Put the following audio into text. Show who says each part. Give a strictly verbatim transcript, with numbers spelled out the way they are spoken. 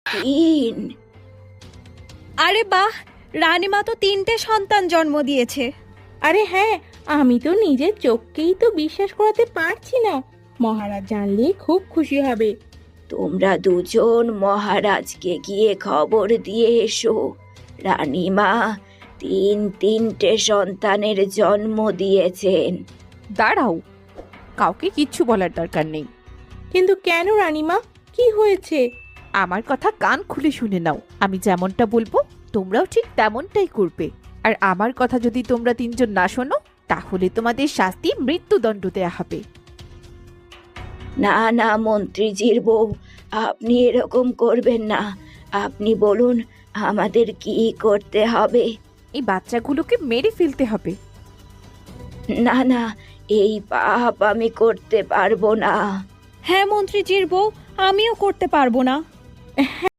Speaker 1: তিন?
Speaker 2: আরে বাহ, রানীমা তো তিনটে সন্তান জন্ম দিয়েছে।
Speaker 3: আরে হ্যাঁ, আমি তো নিজের চোখকেই তো বিশ্বাস করাতে পারছি না। মহারাজ জানলে খুব খুশি হবে।
Speaker 1: তোমরা দুজন মহারাজকে গিয়ে খবর দিয়ে এসো, রানীমা তিন তিনটে সন্তানের জন্ম দিয়েছেন।
Speaker 4: দাঁড়াও, কাউকে কিচ্ছু বলার দরকার নেই।
Speaker 3: কিন্তু কেন রানীমা, কি হয়েছে?
Speaker 4: আমার কথা কান খুলে শুনে নাও। আমি যেমনটা বলবো তোমরাও ঠিক তেমনটাই করবে। আর আমার কথা যদি তোমরা তিনজন না শোনো, তাহলে তোমাদের শাস্তি মৃত্যুদণ্ড দেয়া হবে।
Speaker 1: না না মন্ত্রীজির বউ, আপনি এরকম করবেন না। আপনি বলুন আমাদের কি করতে হবে।
Speaker 4: এই বাচ্চাগুলোকে মেরে ফেলতে হবে।
Speaker 1: না না, এই পাপ আমি করতে পারবো না।
Speaker 2: হ্যাঁ মন্ত্রীজির বউ, আমিও করতে পারবো না।